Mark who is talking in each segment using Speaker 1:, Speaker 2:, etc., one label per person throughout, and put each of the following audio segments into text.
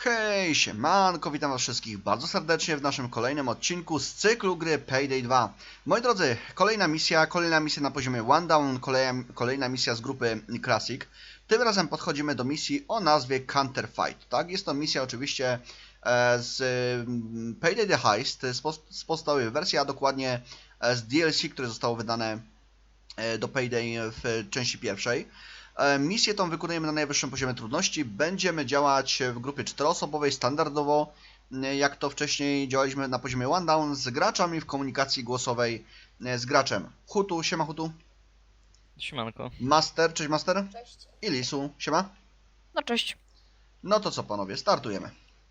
Speaker 1: Hej, siemanko, witam was wszystkich bardzo serdecznie w naszym kolejnym odcinku z cyklu gry Payday 2. Moi drodzy, kolejna misja na poziomie One Down, kolejna misja z grupy Classic. Tym razem podchodzimy do misji o nazwie Counterfight, tak? Jest to misja oczywiście z Payday the Heist, z podstawowej wersji, a dokładnie z DLC, które zostało wydane do Payday w części pierwszej. Misję tą wykonujemy na najwyższym poziomie trudności. Będziemy działać w grupie 4-osobowej, standardowo, jak to wcześniej działaliśmy na poziomie One Down, z graczami w komunikacji głosowej z graczem. Hutu, siema Hutu.
Speaker 2: Siemanko.
Speaker 1: Master, cześć Master.
Speaker 3: Cześć.
Speaker 1: I Lisu, siema.
Speaker 3: No cześć.
Speaker 1: No to co panowie, startujemy.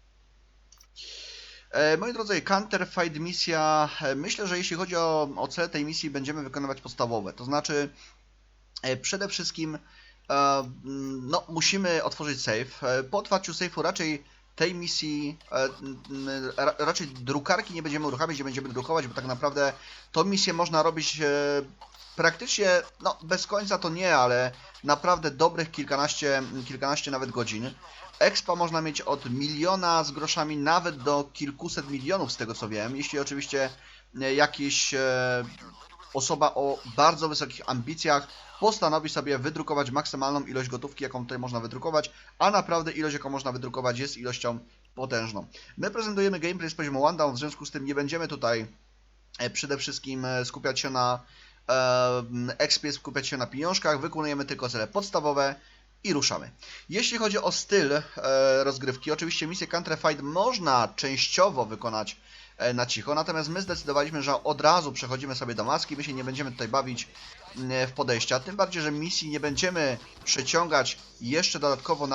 Speaker 1: Moi drodzy, Counterfight misja, myślę, że jeśli chodzi o cel tej misji, będziemy wykonywać podstawowe. To znaczy, przede wszystkim no, musimy otworzyć safe. Po otwarciu safe'u raczej tej misji, raczej drukarki nie będziemy uruchamiać, nie będziemy drukować, bo tak naprawdę tą misję można robić praktycznie, no bez końca to nie, ale naprawdę dobrych kilkanaście nawet godzin. Expa można mieć od 1 miliona z groszami nawet do kilkuset milionów z tego co wiem, jeśli oczywiście jakiś osoba o bardzo wysokich ambicjach postanowi sobie wydrukować maksymalną ilość gotówki, jaką tutaj można wydrukować, a naprawdę ilość, jaką można wydrukować, jest ilością potężną. My prezentujemy gameplay z poziomu One Down, w związku z tym nie będziemy tutaj przede wszystkim skupiać się na expie, skupiać się na pieniążkach, wykonujemy tylko cele podstawowe i ruszamy. Jeśli chodzi o styl rozgrywki, oczywiście misję Counterfight można częściowo wykonać na cicho, natomiast my zdecydowaliśmy, że od razu przechodzimy sobie do maski, my się nie będziemy tutaj bawić w podejścia, tym bardziej, że misji nie będziemy przeciągać jeszcze dodatkowo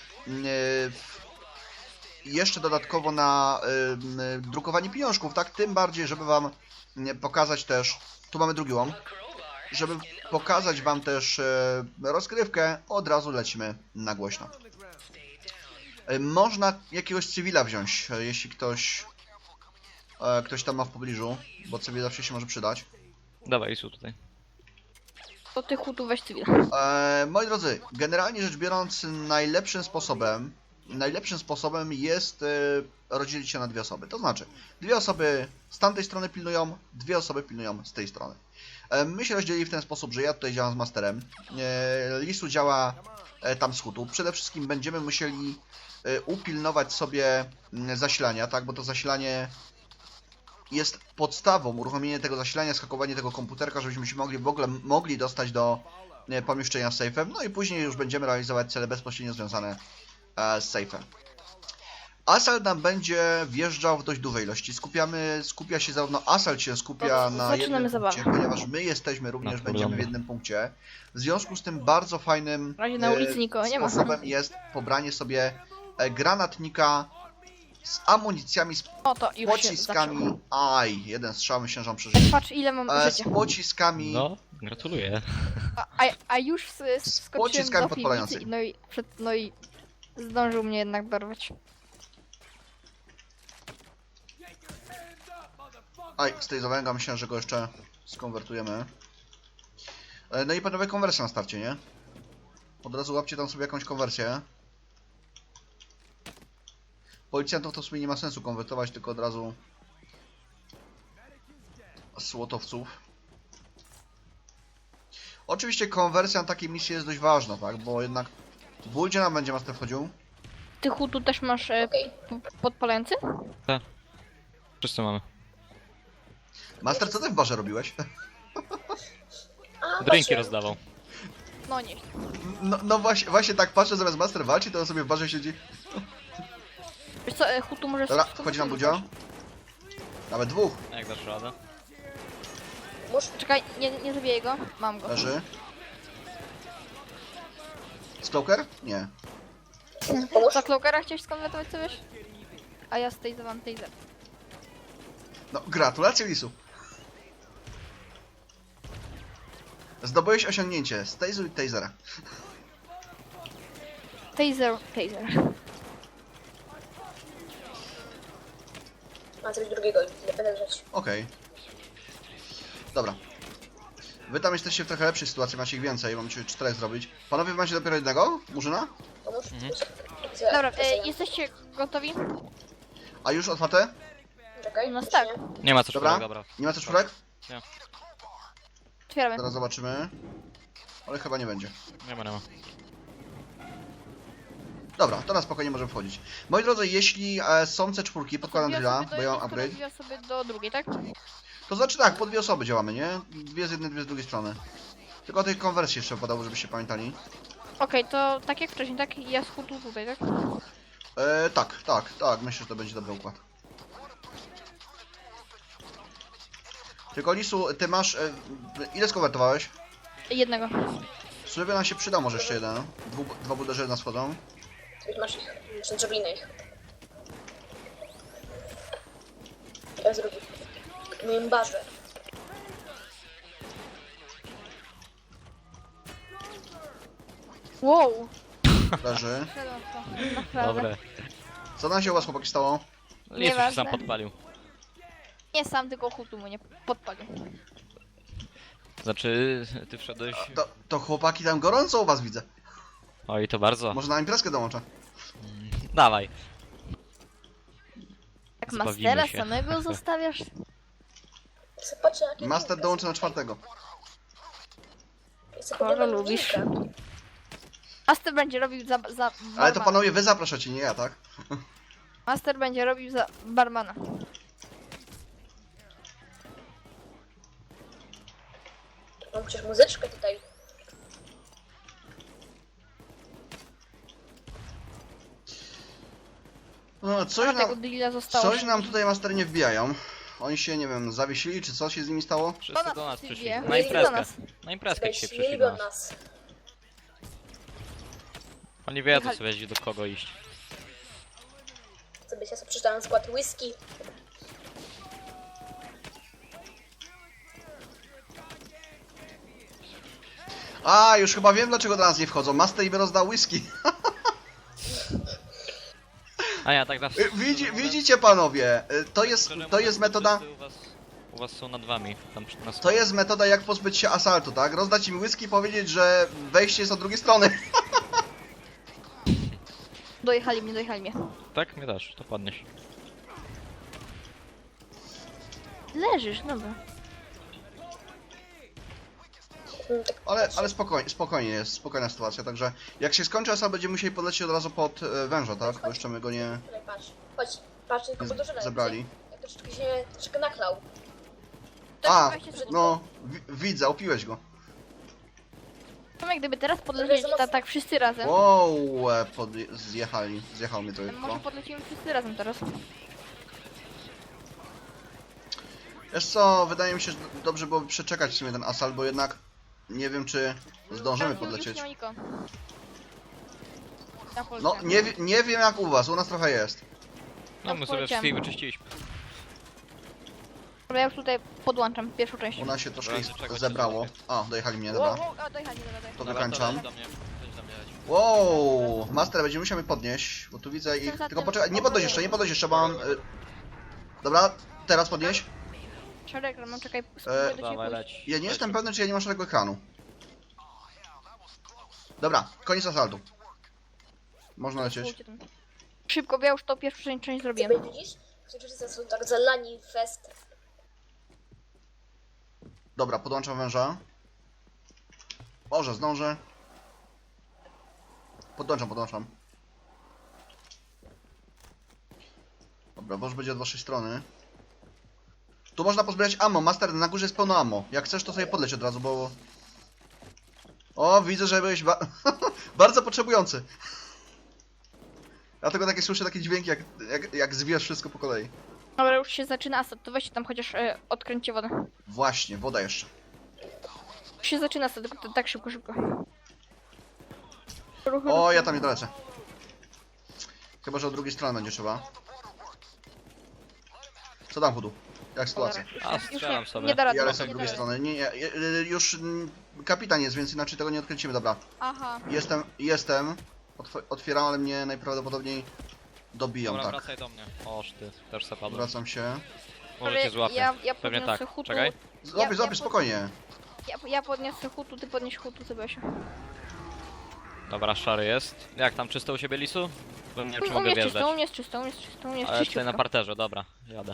Speaker 1: na drukowanie pieniążków, tak? Tym bardziej, żeby wam pokazać też, tu mamy drugi łom, żeby pokazać wam też rozgrywkę, od razu lecimy na głośno. Można jakiegoś cywila wziąć, jeśli ktoś tam ma w pobliżu, bo cywil zawsze się może przydać.
Speaker 2: Dawaj, Isu tutaj.
Speaker 3: To ty Hutu weź cywil.
Speaker 1: Moi drodzy, generalnie rzecz biorąc, najlepszym sposobem jest rozdzielić się na dwie osoby. To znaczy, dwie osoby z tamtej strony pilnują, dwie osoby pilnują z tej strony. My się rozdzielili w ten sposób, że ja tutaj działam z Masterem, Lisu działa tam z Hutu. Przede wszystkim będziemy musieli upilnować sobie zasilania, tak, bo to zasilanie jest podstawą, uruchomienie tego zasilania, skakowanie tego komputerka, żebyśmy się w ogóle mogli dostać do pomieszczenia z safe'em, no i później już będziemy realizować cele bezpośrednio związane z safe'em. Assault nam będzie wjeżdżał w dość dużej ilości. Skupia się zarówno Assault się skupia na jednym punkcie, ponieważ my jesteśmy również, będziemy w jednym punkcie. W związku z tym bardzo fajnym
Speaker 3: Na ulicy nikogo nie ma.
Speaker 1: sposobem jest pobranie sobie granatnika z amunicjami, z
Speaker 3: O, to już
Speaker 1: pociskami. Aj, jeden strzał, myślę, że on przeżył.
Speaker 3: Patrz ile mam
Speaker 1: Z
Speaker 3: życia.
Speaker 1: pociskami.
Speaker 2: No, gratuluję.
Speaker 3: A już skoczyłem
Speaker 1: pociskami
Speaker 3: do
Speaker 1: podpalającymi.
Speaker 3: piwnicy, no i zdążył mnie jednak dorwać.
Speaker 1: Aj, z tej zawęga myślę, że go jeszcze skonwertujemy. No i panowie, konwersja na starcie, nie? Od razu łapcie tam sobie jakąś konwersję. Policjantów to w sumie nie ma sensu konwertować, tylko od razu słotowców. Oczywiście konwersja na takiej misji jest dość ważna, tak? Bo jednak ból gdzie nam będzie Master wchodził?
Speaker 3: Ty Hutu też masz podpalający?
Speaker 2: Wszyscy mamy.
Speaker 1: Master, co ty w barze robiłeś?
Speaker 2: Drinki rozdawał.
Speaker 3: No nie.
Speaker 1: No właśnie tak patrzę, zamiast Master walczy, to on sobie w barze siedzi.
Speaker 3: Wiesz co, Hutu może...
Speaker 1: Dobra, wchodzi nam Budzio. Nawet dwóch.
Speaker 2: Jak dasz radę?
Speaker 3: Czekaj, nie zabiję go. Mam go.
Speaker 1: Leży. Stalker? Nie.
Speaker 3: Za Cloakera chciałeś skonwertować co wiesz? A ja stazowałem taser.
Speaker 1: No, gratulacje Lisu. Zdobyłeś osiągnięcie. Stazuj tasera.
Speaker 3: Taser.
Speaker 4: Mam coś drugiego, nie będę rzecz.
Speaker 1: Okej. Dobra. Wy tam jesteście w trochę lepszej sytuacji, macie ich więcej, mam 4 zrobić. Panowie, macie dopiero jednego? Murzyna?
Speaker 4: Pomóż?
Speaker 3: Dobra, jesteście gotowi?
Speaker 1: A już otwarte?
Speaker 4: Czekaj.
Speaker 3: No tak.
Speaker 2: Nie ma co
Speaker 1: Dobra.
Speaker 2: czwórek, dobra.
Speaker 1: Nie ma też czwórek?
Speaker 3: Otwieramy.
Speaker 1: Zaraz zobaczymy. Ale chyba nie będzie.
Speaker 2: Nie ma.
Speaker 1: Dobra, to na spokojnie możemy wchodzić. Moi drodzy, jeśli są C4, podkładam drilla, bo ja mam upgrade.
Speaker 3: Dwie osoby do drugiej, tak?
Speaker 1: To znaczy tak, po dwie osoby działamy, nie? Dwie z jednej, dwie z drugiej strony. Tylko o tej konwersji jeszcze podało, żebyście pamiętali.
Speaker 3: Okej, to tak jak wcześniej, tak? Ja z hutu tutaj, tak?
Speaker 1: Tak, myślę, że to będzie dobry układ. Tylko Lisu, ty masz... ile skonwertowałeś?
Speaker 3: Jednego.
Speaker 1: W sumie nam się przyda może jeszcze jeden. Dwa buderze nas wchodzą.
Speaker 4: Już masz ich. Muszę drzebliny ich. Jak zrobić? W moim barze.
Speaker 3: Wow!
Speaker 1: Leży.
Speaker 3: Wszedłem w to. Naprawdę.
Speaker 2: Dobre.
Speaker 1: Co nam się u was, chłopaki, stało?
Speaker 2: Lisu się
Speaker 3: Nieważne.
Speaker 2: sam podpalił.
Speaker 3: Nie sam, tylko hutu mnie podpalił.
Speaker 2: Znaczy, ty wszedłeś...
Speaker 1: To chłopaki tam gorąco u was widzę.
Speaker 2: Oj, to bardzo.
Speaker 1: Może na imprezkę dołączę.
Speaker 2: Dawaj.
Speaker 3: Tak
Speaker 2: Zbawimy
Speaker 3: Mastera
Speaker 2: się.
Speaker 3: samego zostawiasz?
Speaker 4: Sobie patrzę, jakie
Speaker 1: Master
Speaker 4: linki.
Speaker 1: dołączy na czwartego.
Speaker 4: Ja sobie
Speaker 3: Kogo
Speaker 4: podglądam
Speaker 3: lubisz?
Speaker 4: linka.
Speaker 3: Master będzie robił za
Speaker 1: Ale to
Speaker 3: barmana.
Speaker 1: panowie wy zapraszacie, nie ja, tak?
Speaker 3: Master będzie robił za barmana.
Speaker 4: Mam przecież muzyczkę tutaj.
Speaker 1: No,
Speaker 3: A tego deala zostało.
Speaker 1: coś nam tutaj mastery nie wbijają. Oni się, nie wiem, zawiesili, czy co się z nimi stało?
Speaker 2: Wszyscy do nas
Speaker 3: przyjdzie.
Speaker 2: przyszli.
Speaker 3: Nie,
Speaker 2: Na
Speaker 3: do
Speaker 2: imprezkę.
Speaker 3: nas.
Speaker 2: Na imprezkę dzisiaj
Speaker 4: Śmieli
Speaker 2: przyszli do
Speaker 4: do
Speaker 2: nas.
Speaker 4: nas.
Speaker 2: Oni wiedzą sobie do kogo iść.
Speaker 4: Sobie ja sobie przeczytałem skład whisky.
Speaker 1: A, już chyba wiem, dlaczego do nas nie wchodzą. Master im rozdał whisky.
Speaker 2: A ja tak zawsze...
Speaker 1: Widzicie panowie, to jest metoda...
Speaker 2: U was są nad wami. Tam na
Speaker 1: To jest metoda, jak pozbyć się asaltu, tak? Rozdać im whisky i powiedzieć, że wejście jest od drugiej strony.
Speaker 3: Dojechali mnie.
Speaker 2: Tak? Mnie dasz, to padniesz.
Speaker 3: Leżysz, dobra.
Speaker 1: Ale spokojnie jest, spokojna sytuacja, także jak się skończy asal, będziemy musieli podlecieć od razu pod węża, tak? Bo jeszcze my go nie
Speaker 4: Tutaj patrz, patrz, tylko podążę
Speaker 1: zabrali.
Speaker 4: Jak troszeczkę naklał.
Speaker 1: A,
Speaker 3: weźcie sobie-
Speaker 1: no, widzę, opiłeś go.
Speaker 3: Tomek, gdyby teraz podlecieli tak wszyscy razem.
Speaker 1: Wow, zjechał mnie to
Speaker 3: Może
Speaker 1: tylko.
Speaker 3: podlecimy wszyscy razem teraz.
Speaker 1: Wiesz co, wydaje mi się, że dobrze byłoby przeczekać w sumie ten asal, bo jednak nie wiem, czy zdążymy
Speaker 3: Już
Speaker 1: podlecieć.
Speaker 3: nie ma nikogo. Ja
Speaker 1: No,
Speaker 3: poleciałem.
Speaker 1: nie wiem jak u was, u nas trochę jest.
Speaker 2: No my sobie
Speaker 3: poleciałem.
Speaker 2: wszystkich wyczyściliśmy.
Speaker 3: Dobra, ja już tutaj podłączam pierwszą część.
Speaker 1: U nas się troszkę
Speaker 2: Dobra, czekaj,
Speaker 1: zebrało. A, dojechali mnie, dobra.
Speaker 3: A, dojechali.
Speaker 1: To
Speaker 2: Dobra,
Speaker 1: wykańczam.
Speaker 2: leć do mnie. Leć do mnie, leć.
Speaker 1: Wow, Master, będziemy musiał mnie podnieść, bo tu widzę ich...
Speaker 3: Jestem za
Speaker 1: Tylko
Speaker 3: tym
Speaker 1: poczekaj, nie podnoś jeszcze, bo mam... Dobra, teraz podnieś.
Speaker 3: Szereg, no czekaj, spróbuję do ciebie
Speaker 2: Dawaj,
Speaker 3: pójść.
Speaker 2: leć.
Speaker 1: Ja nie
Speaker 2: Leć.
Speaker 1: jestem pewny, czy ja nie mam szeregu ekranu. Dobra, koniec asaltu. Można lecieć.
Speaker 3: Spróbujcie tam. Szybko, bo ja już to pierwszą część zrobiłem.
Speaker 4: Sobie widzisz? Wszyscy są tak zalani w fest.
Speaker 1: Dobra, podłączam węża. Może zdążę. Podłączam. Dobra, wąż będzie od waszej strony. Tu można pozbierać ammo. Master, na górze jest pełno ammo. Jak chcesz, to sobie podleć od razu, bo... O, widzę, że byłeś bardzo potrzebujący. Ja tylko takie słyszę takie dźwięki, jak zwijasz wszystko po kolei.
Speaker 3: Dobra, już się zaczyna asad, to weźcie tam chociaż odkręćcie wodę.
Speaker 1: Właśnie, woda jeszcze.
Speaker 3: Już się zaczyna asad, tylko tak szybko. Ruchy,
Speaker 1: O, ja tam nie dolecę. Chyba, że od drugiej strony będzie trzeba. Co tam, Hudu? Jak sytuacja?
Speaker 2: A, strzelam sobie.
Speaker 3: Nie da rady.
Speaker 1: Ja
Speaker 3: nie
Speaker 1: lecę od
Speaker 3: da
Speaker 1: drugiej
Speaker 3: rady.
Speaker 1: strony. Nie, już kapitan jest, więc inaczej tego nie odkręcimy. Dobra,
Speaker 3: Aha.
Speaker 1: jestem. Otwieram, ale mnie najprawdopodobniej dobiją,
Speaker 2: Dobra,
Speaker 1: tak.
Speaker 2: wracaj do mnie. Oż ty, też se padłem.
Speaker 1: Wracam się.
Speaker 2: Może cię złapię.
Speaker 3: Ja
Speaker 2: Pewnie
Speaker 3: podniosę
Speaker 2: tak.
Speaker 3: hutu.
Speaker 2: Czekaj.
Speaker 1: Złapię, spokojnie.
Speaker 3: Ja podniosę hutu, ty podnieś hutu, Sebastian.
Speaker 2: Dobra, szary jest. Jak tam czysto u siebie, Lisu? Bo nie wiem, czy
Speaker 3: U
Speaker 2: mogę
Speaker 3: mnie jest
Speaker 2: wjeżdżać.
Speaker 3: czysto, u mnie jest czysto, u mnie jest czysto, u mnie jest
Speaker 2: Ale tutaj na
Speaker 3: czyściutko.
Speaker 2: parterze, dobra, jadę.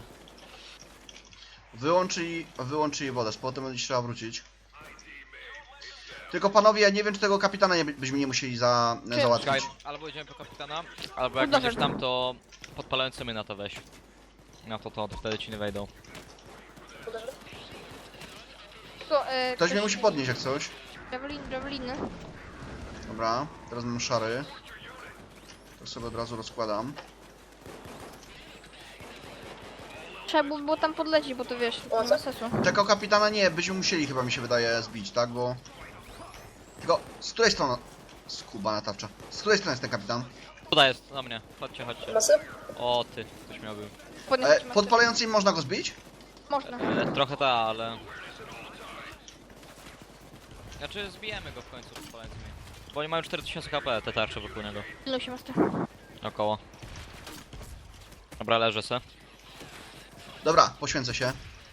Speaker 1: Wyłączyli wodę, z potem będzie trzeba wrócić. Tylko panowie, ja nie wiem, czy tego kapitana byśmy nie musieli
Speaker 2: Czekaj,
Speaker 1: załatwić.
Speaker 2: albo idziemy po kapitana, albo jak
Speaker 3: Dobra.
Speaker 2: będziesz tam, to podpalającymi na to weź. Na to wtedy ci nie wejdą.
Speaker 4: Uderzę.
Speaker 3: Tylko,
Speaker 1: Ktoś mnie musi podnieść jak coś.
Speaker 3: Javeliny.
Speaker 1: Dobra, teraz mam szary. To sobie od razu rozkładam.
Speaker 3: Trzeba było tam podlecieć, bo to wiesz,
Speaker 4: O,
Speaker 3: nie
Speaker 4: co?
Speaker 3: ma sensu.
Speaker 1: Tego kapitana nie, byśmy musieli chyba, mi się wydaje, zbić, tak? Bo... Tylko, z której strony... Skubana tarcza. Z której strony jest ten kapitan?
Speaker 2: Tutaj jest, na mnie, chodźcie, chodźcie.
Speaker 4: Masy?
Speaker 2: O ty, ktoś miał był.
Speaker 3: Podniosę ci
Speaker 1: Podpalającym można go zbić?
Speaker 3: Można.
Speaker 2: Trochę ta, ale... Znaczy zbijemy go w końcu podpalającymi. Bo oni mają 4000 HP, te tarcze wokół niego.
Speaker 3: Ilu się master?
Speaker 2: Około. Dobra, leżę se.
Speaker 1: Dobra, poświęcę się.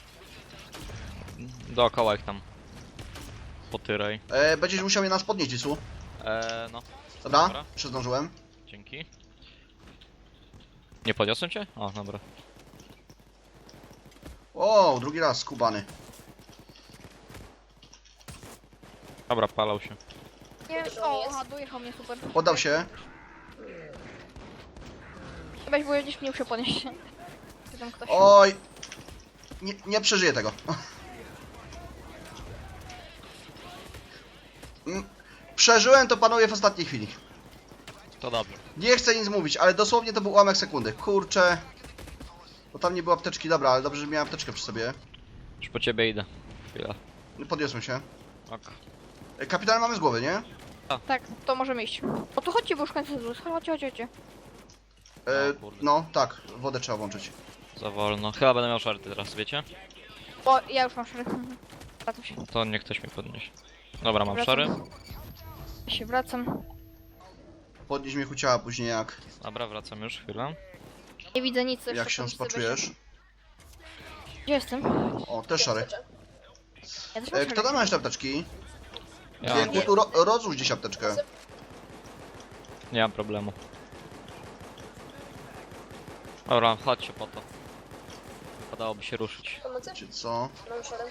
Speaker 2: Dookoła ich tam. Potyraj.
Speaker 1: Będziesz musiał je nas podnieść, Isu.
Speaker 2: No.
Speaker 1: Dobra,
Speaker 2: Dobra.
Speaker 1: zdążyłem.
Speaker 2: Dzięki. Nie podniosłem cię? O, dobra.
Speaker 1: O, drugi raz skubany.
Speaker 2: Dobra, palał się.
Speaker 3: Nie wiem, o, aha, dojechał mnie, super.
Speaker 1: Poddał się.
Speaker 3: Weź, bo będziesz mnie musiał podnieść. Czy tam ktoś?
Speaker 1: Oj. Nie przeżyję tego. Przeżyłem to, panowie, w ostatniej chwili.
Speaker 2: To dobrze.
Speaker 1: Nie chcę nic mówić, ale dosłownie to był ułamek sekundy. Kurczę. Bo tam nie było apteczki, dobra, ale dobrze, że miałem apteczkę przy sobie.
Speaker 2: Już po ciebie idę. Chwila.
Speaker 1: Podniosłem się.
Speaker 2: Ok.
Speaker 1: Kapitan mamy z głowy, nie?
Speaker 3: Tak, to możemy iść. O to chodźcie, bo już kończę zluz. Chodźcie.
Speaker 2: O kurde.
Speaker 1: No, tak, wodę trzeba włączyć.
Speaker 2: Za wolno. Chyba będę miał szarty teraz, wiecie?
Speaker 3: O, ja już mam szary. Wracam się.
Speaker 2: To niech ktoś mi podniesie. Dobra, mam
Speaker 3: Wracam.
Speaker 2: szary.
Speaker 3: Ja się wracam.
Speaker 1: Podnieś mnie ciała później
Speaker 2: Dobra, wracam już, chwilę.
Speaker 3: Nie widzę nic.
Speaker 1: jak się spoczujesz.
Speaker 3: Gdzie jestem?
Speaker 1: O, też szary.
Speaker 3: Ja też mam
Speaker 1: Kto
Speaker 3: szary.
Speaker 1: tam ma jeszcze apteczki?
Speaker 2: Ja
Speaker 1: Gdzie,
Speaker 2: mam,
Speaker 1: Kutu, rozłóż gdzieś apteczkę.
Speaker 2: nie mam problemu. Dobra, chodźcie po to. Wypadałoby się ruszyć.
Speaker 4: Pomocy?
Speaker 1: Czy co?
Speaker 4: Mam szarem.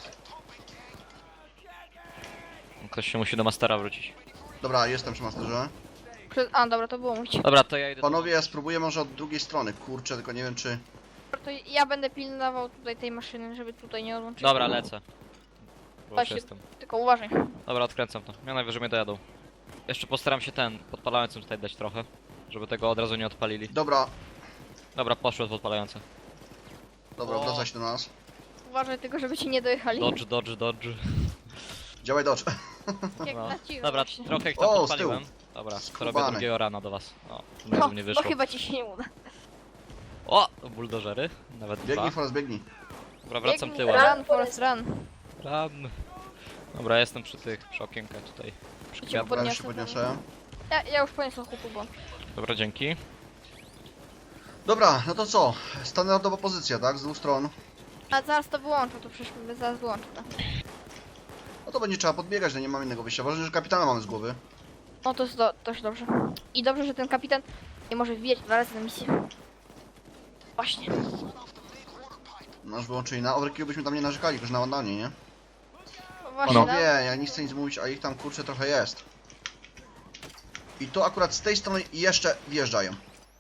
Speaker 2: Ktoś się musi do mastera wrócić.
Speaker 1: Dobra, jestem przy masterze.
Speaker 3: A, dobra, to było mówić.
Speaker 2: Dobra, to ja idę.
Speaker 1: Panowie, ja spróbuję może od drugiej strony. Kurczę, tylko nie wiem czy...
Speaker 3: To ja będę pilnował tutaj tej maszyny, żeby tutaj nie odłączyć.
Speaker 2: Dobra, lecę. Bo już
Speaker 3: Chodź.
Speaker 2: jestem.
Speaker 3: Tylko uważaj.
Speaker 2: Dobra, odkręcam to. Ja najwyżej mnie dojadą. Jeszcze postaram się ten podpalającym tutaj dać trochę. Żeby tego od razu nie odpalili.
Speaker 1: Dobra,
Speaker 2: Dobra, poszły podpalające.
Speaker 1: dobra,
Speaker 2: O.
Speaker 1: wraca się do nas.
Speaker 3: Uważaj tylko, żeby ci nie dojechali.
Speaker 2: Dodge.
Speaker 1: Działaj dodge.
Speaker 3: Jak
Speaker 2: No.
Speaker 3: na ciebie
Speaker 2: Dobra,
Speaker 3: właśnie.
Speaker 2: trochę ich tam
Speaker 1: O, z
Speaker 2: podpaliłem.
Speaker 1: tyłu.
Speaker 2: Dobra, to
Speaker 1: Skubany.
Speaker 2: robię drugiego rana do was. O, tym
Speaker 3: No,
Speaker 2: razem nie
Speaker 3: bo
Speaker 2: wyszło.
Speaker 3: chyba ci się nie uda.
Speaker 2: O, buldożery. Nawet dwa.
Speaker 1: Biegnij, Forrest, biegnij.
Speaker 2: Dobra, wracam
Speaker 3: Biegnij,
Speaker 2: tyłem.
Speaker 3: Run, Forest, run.
Speaker 2: Run. Dobra, jestem przy okienkach tutaj. Przy
Speaker 3: Cię
Speaker 2: kwiatach.
Speaker 1: Dobra, już się
Speaker 3: Podniosę,
Speaker 1: podniosę.
Speaker 3: Ja już poniosłem chłopu, bo...
Speaker 2: Dobra, dzięki.
Speaker 1: Dobra, no to co? Standardowa pozycja, tak? Z dwóch stron.
Speaker 3: A zaraz to wyłączę, to przecież zaraz wyłączę to.
Speaker 1: No to będzie trzeba podbiegać, no nie mam innego wyjścia. Ważne, że kapitana mamy z głowy.
Speaker 3: No to jest też dobrze. I dobrze, że ten kapitan nie może wbijać 2 razy na misję. Właśnie.
Speaker 1: Nasz wyłączyli na overkill, byśmy tam nie narzekali, już na ładanie, nie?
Speaker 3: No właśnie,
Speaker 1: No
Speaker 3: no.
Speaker 1: wie, ja nie chcę nic mówić, a ich tam kurczę trochę jest. I to akurat z tej strony jeszcze wjeżdżają.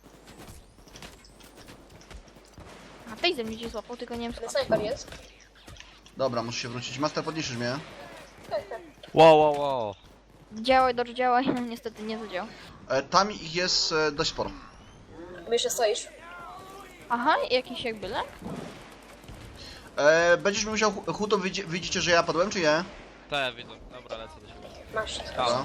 Speaker 3: A tej ze mnie gdzieś złapał, tylko nie wiem
Speaker 4: Ale
Speaker 3: skąd.
Speaker 4: snajper jest.
Speaker 1: Dobra, muszę się wrócić. Master, podniesiesz mnie?
Speaker 4: Tak, tak.
Speaker 2: Wow.
Speaker 3: Działaj, Dodge, działaj. No niestety nie zadziałał.
Speaker 1: Tam ich jest dość sporo.
Speaker 4: My jeszcze stoisz.
Speaker 3: Aha, jakiś jakby lek?
Speaker 1: Będziesz musiał, Huto, widzicie, że ja padłem, czy nie?
Speaker 2: Tak, widzę. Dobra, lecę do siebie.
Speaker 4: Masz.
Speaker 1: Dobra.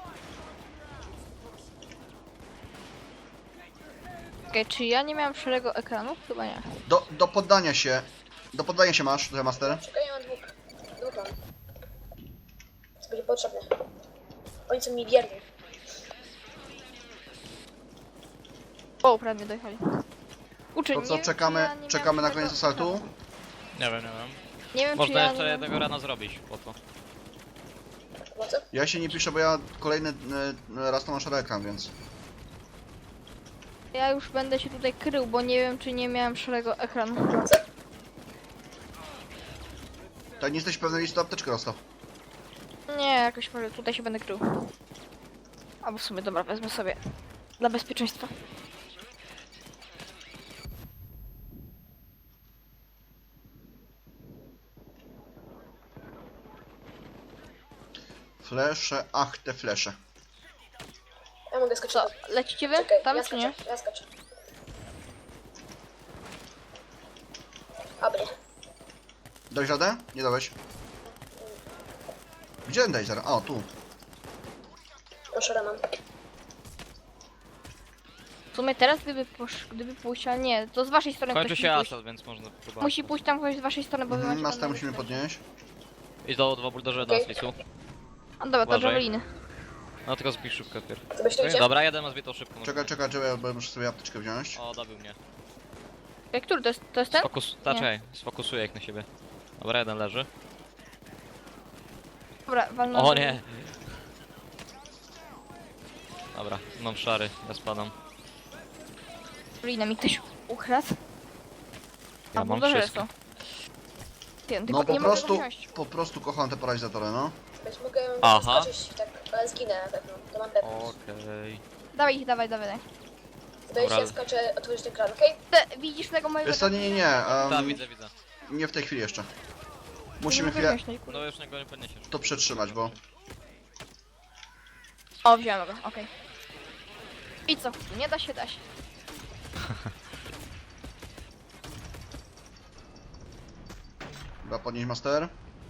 Speaker 3: Okej, czy ja nie miałem szarego ekranu? Chyba nie.
Speaker 1: Do poddania się. Do poddania się masz, że Master.
Speaker 4: Czekaj, ja mam dwóch mam. To będzie potrzebne. Oni są mi wierni.
Speaker 3: O, prawie mnie dojechali. Uczy,
Speaker 1: To
Speaker 3: nie
Speaker 1: co,
Speaker 3: wiem, czy
Speaker 1: czekamy,
Speaker 3: ja nie
Speaker 1: czekamy
Speaker 3: miałem
Speaker 1: na koniec
Speaker 3: szarego
Speaker 1: asaltu?
Speaker 3: ekranu.
Speaker 2: Nie wiem.
Speaker 3: Nie wiem, czy
Speaker 2: Można
Speaker 3: ja
Speaker 2: jeszcze
Speaker 3: nie
Speaker 2: jednego rana zrobić, po to.
Speaker 4: Pomocy?
Speaker 1: Ja się nie piszę, bo ja kolejny raz to masz ekran, więc...
Speaker 3: Ja już będę się tutaj krył, bo nie wiem, czy nie miałem szarego ekranu.
Speaker 4: Pomocy?
Speaker 1: Tak nie jesteś pewny, jeśli to apteczkę dostał.
Speaker 3: Nie, jakoś może tutaj się będę krył. Albo w sumie, dobra, wezmę sobie dla bezpieczeństwa.
Speaker 1: Flesze, ach te flesze.
Speaker 4: Ja mogę skoczyć.
Speaker 3: Co, lecicie wy?
Speaker 4: Czekaj,
Speaker 3: Tam
Speaker 4: ja
Speaker 3: czy nie?
Speaker 4: skaczę, ja skaczę. Aby.
Speaker 1: Dałeś radę? Nie dałeś. Gdzie ten taser? O, tu.
Speaker 4: Proszę, Roman.
Speaker 3: W sumie teraz gdyby pójść, ale nie, to z waszej strony
Speaker 2: Kończy
Speaker 3: ktoś
Speaker 2: się
Speaker 3: musi pójść.
Speaker 2: asas, więc można próbować.
Speaker 3: Musi pójść tam ktoś z waszej strony, bo wy macie
Speaker 1: Masta
Speaker 3: tam
Speaker 1: musimy
Speaker 3: bezpieczeństwo.
Speaker 1: podnieść.
Speaker 2: Idź do 2 buldożera
Speaker 4: Okej.
Speaker 2: na slicu.
Speaker 3: A dobra, to
Speaker 2: Uważaj.
Speaker 3: javeliny.
Speaker 2: No tylko zbij szybko pierw.
Speaker 4: Zabezpieczcie?
Speaker 2: Dobra, jeden ma zbitą szybko.
Speaker 1: Czekaj, bo muszę sobie apteczkę wziąć.
Speaker 2: O, dobił mnie.
Speaker 3: Ej, który to jest ten?
Speaker 2: Czekaj, sfokusuję ich na siebie. Dobra, jeden leży.
Speaker 3: Dobra, walnę.
Speaker 2: O nie! Dobra, mam szary, ja spadam.
Speaker 3: Javelinę mi ktoś ukradł.
Speaker 2: Ja
Speaker 3: A
Speaker 2: mam
Speaker 3: buldożery
Speaker 2: wszystko.
Speaker 3: są. Ty,
Speaker 1: No
Speaker 3: tylko
Speaker 1: po
Speaker 3: nie mogę go
Speaker 1: prostu,
Speaker 3: wziąć.
Speaker 1: po prostu kocham te paralizatory, no.
Speaker 4: Być mogę
Speaker 2: Aha.
Speaker 4: skoczyć, tak, ale zginę na pewno. To mam pewność.
Speaker 2: Okej.
Speaker 3: Dawaj ich, dawaj.
Speaker 4: Zdaje się, ja skaczę, otworzyć ekran, okej?
Speaker 3: Widzisz tego mojego...
Speaker 1: Wiesz co, nie.
Speaker 2: Tak, widzę.
Speaker 1: Nie w tej chwili jeszcze.
Speaker 3: Nie
Speaker 1: Musimy
Speaker 3: mogę
Speaker 1: chwilę
Speaker 3: wziąć, no i kurde.
Speaker 2: No już go nie podniesiesz.
Speaker 1: to przetrzymać, bo...
Speaker 3: O, wziąłem go, okej. I co? Nie da się.
Speaker 1: Chyba podnieść master.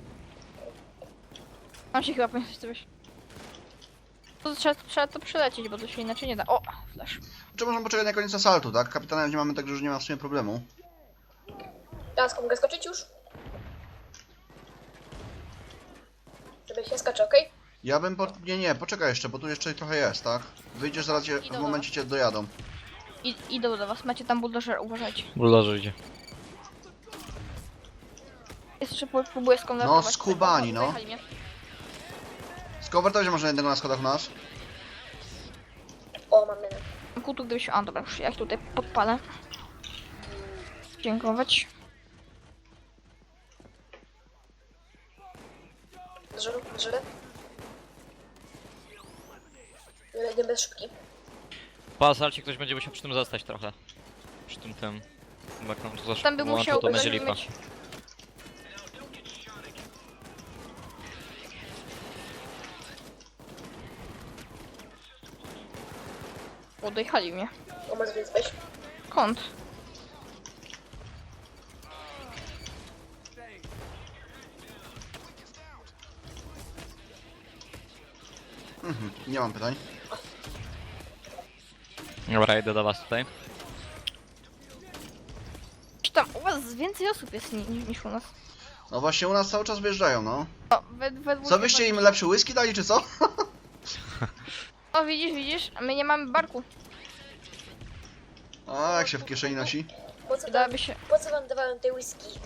Speaker 3: Mam się chyba powiedzieć coś. To trzeba to przelecieć, bo to się inaczej nie da. O, flash.
Speaker 1: Czy możemy poczekać na koniec asaltu, tak? Kapitanem nie mamy, także już nie ma w sumie problemu.
Speaker 4: Teraz mogę skoczyć już? Żeby się skacze, okej?
Speaker 1: Ja bym Nie, poczekaj jeszcze, bo tu jeszcze trochę jest, tak? Wyjdziesz zaraz,
Speaker 3: Idą
Speaker 1: w momencie cię dojadą.
Speaker 3: Idą do was, macie tam buldożer, uważajcie.
Speaker 2: Buldożer idzie.
Speaker 3: Jeszcze próbuję skonwertować.
Speaker 1: No, skubani, no.
Speaker 3: Zajechali mnie.
Speaker 1: Skowertować może jednego na schodach u nas.
Speaker 4: O, mam menę.
Speaker 3: Kutu, gdybyś... A, dobra, już ja ich tutaj podpalę. Dziękować.
Speaker 4: Żyle? Jeden bez szybki.
Speaker 2: Po asalcie ktoś będzie musiał przy tym zostać trochę. Przy tym. Jak nam to za
Speaker 3: Tam by
Speaker 2: szybko
Speaker 3: musiał
Speaker 2: to będzie
Speaker 3: ktoś
Speaker 2: lipa.
Speaker 3: mieć... O, dojechali mnie.
Speaker 4: O, masz więc weź.
Speaker 3: Kąt.
Speaker 1: Nie mam pytań.
Speaker 2: Dobra, idę do was tutaj.
Speaker 3: Czy tam u was więcej osób jest niż u nas?
Speaker 1: No właśnie u nas cały czas wyjeżdżają, no.
Speaker 3: O, we
Speaker 1: Co byście im lepszy whisky dali, czy co?
Speaker 3: O, widzisz? A my nie mamy barku.
Speaker 1: A jak się w kieszeni nosi?
Speaker 3: Dałaby się...
Speaker 4: Po co wam dawałem tej whisky?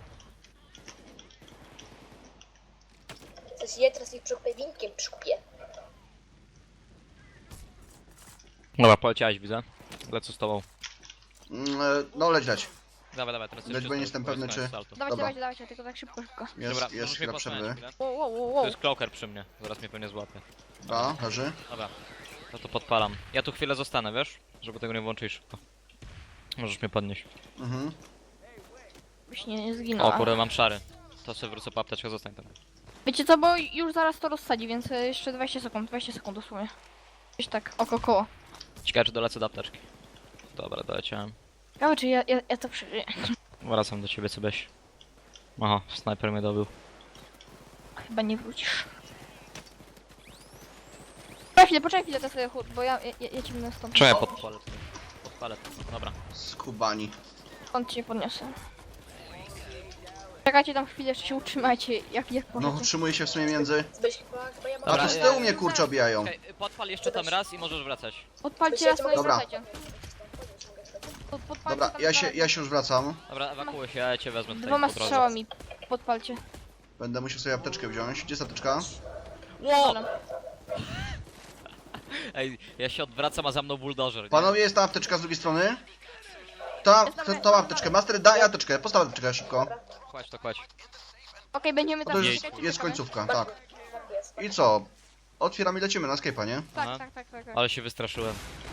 Speaker 4: Coś je, teraz ich przekupię winkiem, przykupię.
Speaker 2: Dobra, poleciałeś, widzę. Lecę z tobą.
Speaker 1: No leć.
Speaker 2: Dawaj, teraz
Speaker 1: Lecz, bo nie jestem pewny, czy- Dobra.
Speaker 3: Dawajcie, tylko tak szybko.
Speaker 1: Jest,
Speaker 2: Dobra,
Speaker 1: jest
Speaker 2: możesz mnie
Speaker 1: chwila
Speaker 2: posłać
Speaker 1: przerwy.
Speaker 2: chwilę.
Speaker 3: Wow.
Speaker 2: Tu jest cloaker przy mnie, zaraz mnie pewnie złapie.
Speaker 1: Da, leży.
Speaker 2: Dobra, to podpalam. Ja tu chwilę zostanę, wiesz? Żeby tego nie włączyć szybko. Możesz mnie podnieść.
Speaker 1: Mhm.
Speaker 3: Byś nie zginął.
Speaker 2: O kurde, mam szary. To sobie wrócę po apteczkę, zostań tam.
Speaker 3: Wiecie co, bo już zaraz to rozsadzi, więc jeszcze 20 sekund dosłownie. Gdzieś tak, koło.
Speaker 2: Ciekawe, czy dolecę do apteczki. Dobra, doleciałem.
Speaker 3: Ciekawe, czy ja to przeżyję.
Speaker 2: Wracam do ciebie, Cybeś. Aha, snajper mnie dobył.
Speaker 3: Chyba nie wrócisz. Poczekaj chwilę, to sobie chód, bo ja ci będę stąd.
Speaker 2: Czemu ja podpalę to? Podpalę to, dobra.
Speaker 1: Skubani.
Speaker 3: Stąd cię podniosę. Czekajcie tam chwilę, jeszcze się utrzymajcie, jak
Speaker 1: No
Speaker 3: możecie.
Speaker 1: utrzymuję się w sumie między.
Speaker 4: Zbyś chyba ja mam...
Speaker 1: A
Speaker 2: Dobra,
Speaker 1: tu z tyłu mnie kurczę obijają.
Speaker 2: Okej, podpal jeszcze tam raz i możesz wracać.
Speaker 3: Podpalcie raz, no i
Speaker 1: Dobra.
Speaker 3: wracajcie. Podpalcie
Speaker 1: Dobra,
Speaker 3: tam
Speaker 1: ja się już wracam.
Speaker 2: Dobra, ewakuuj się, ja cię wezmę tutaj
Speaker 3: Dwoma
Speaker 2: po drodze.
Speaker 3: strzałami podpalcie.
Speaker 1: Będę musiał sobie apteczkę wziąć. Gdzie jest apteczka?
Speaker 2: Ło!
Speaker 3: Dobra.
Speaker 2: Ej, ja się odwracam, a za mną buldożer. nie?
Speaker 1: Panowie, jest ta apteczka z drugiej strony. Tą apteczkę. Master, daj apteczkę. Postaw apteczkę szybko.
Speaker 2: Kładź to, kładź.
Speaker 3: Okej, będziemy
Speaker 1: To
Speaker 3: tam
Speaker 1: jest,
Speaker 3: czekać i
Speaker 1: jest
Speaker 3: czekamy.
Speaker 1: końcówka, tak.
Speaker 4: Jest.
Speaker 1: I co? Otwieramy i lecimy na Skype'a, nie?
Speaker 2: Aha.
Speaker 3: Tak.
Speaker 2: Ale się wystraszyłem.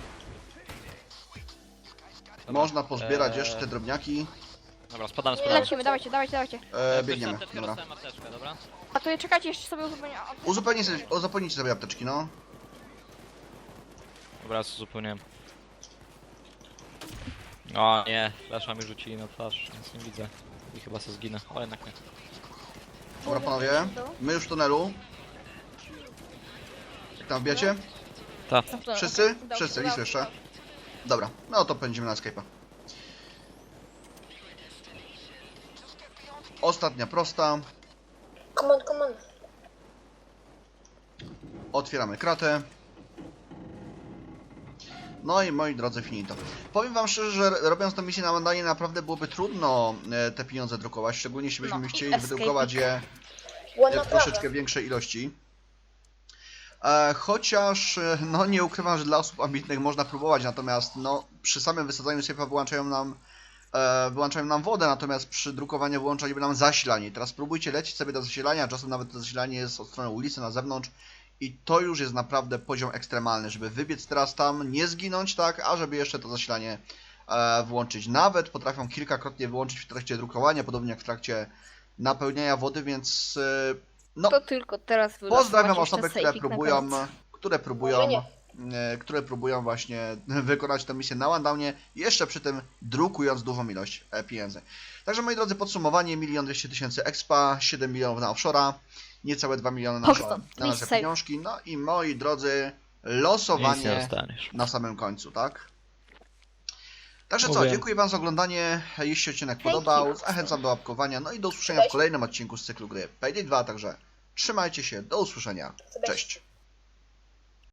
Speaker 2: Dobra,
Speaker 1: Można pozbierać jeszcze te
Speaker 2: eee,
Speaker 1: drobniaki.
Speaker 2: Dobra, spadamy z prawej.
Speaker 3: Lecimy, dawajcie.
Speaker 1: Biegniemy,
Speaker 2: Apteczkę,
Speaker 1: dobra.
Speaker 2: dostałem apteczkę, dobra?
Speaker 3: A to czekajcie, jeszcze sobie uzupełnię.
Speaker 1: Uzupełnijcie sobie apteczki, no.
Speaker 2: Dobra, uzupełniłem. O nie, flasza mi rzucili na twarz, nic nie widzę. I chyba se zginę, o jednak nie.
Speaker 1: Dobra, panowie. My już w tunelu. Jak tam wbijacie?
Speaker 2: Ta.
Speaker 1: Wszyscy? Wszyscy, Lisu jeszcze. Dobra, no to pędzimy na Skype'a. Ostatnia prosta.
Speaker 4: Come on.
Speaker 1: Otwieramy kratę. No i moi drodzy, finito. Powiem wam szczerze, że robiąc tę misję na Mandanie naprawdę byłoby trudno te pieniądze drukować, szczególnie jeśli byśmy
Speaker 3: No i
Speaker 1: chcieli
Speaker 3: escape.
Speaker 1: wydrukować je
Speaker 4: Ładna
Speaker 1: w
Speaker 4: prawa.
Speaker 1: troszeczkę większej ilości. Chociaż, no nie ukrywam, że dla osób ambitnych można próbować, natomiast no przy samym wysadzaniu sejfa wyłączają nam wodę, natomiast przy drukowaniu wyłączaliby nam zasilanie. Teraz spróbujcie lecieć sobie do zasilania, czasem nawet to zasilanie jest od strony ulicy na zewnątrz i to już jest naprawdę poziom ekstremalny, żeby wybiec teraz tam, nie zginąć, tak, a żeby jeszcze to zasilanie włączyć. Nawet potrafią kilkakrotnie wyłączyć w trakcie drukowania, podobnie jak w trakcie napełniania wody, więc no,
Speaker 3: To tylko teraz
Speaker 1: pozdrawiam
Speaker 3: wylosować
Speaker 1: osoby,
Speaker 3: jeszcze
Speaker 1: które
Speaker 3: sejfik na
Speaker 1: próbują,
Speaker 3: koniec.
Speaker 1: które próbują właśnie wykonać tę misję na Wandownie, jeszcze przy tym drukując dużą ilość pieniędzy. Także moi drodzy, podsumowanie: 1 200 000 expa, 7 milionów na offshore'a, niecałe 2 miliony na
Speaker 3: Hoxton,
Speaker 1: nasze
Speaker 3: please save.
Speaker 1: pieniążki, no i moi drodzy,
Speaker 2: Nic nie
Speaker 1: losowanie
Speaker 2: dostaniesz.
Speaker 1: na samym końcu, tak? Także co,
Speaker 2: Mówię.
Speaker 1: dziękuję wam za oglądanie, jeśli odcinek
Speaker 3: Thank
Speaker 1: podobał,
Speaker 3: you.
Speaker 1: zachęcam do łapkowania, no i do usłyszenia w kolejnym odcinku z cyklu gry Payday 2, także trzymajcie się, do usłyszenia, cześć!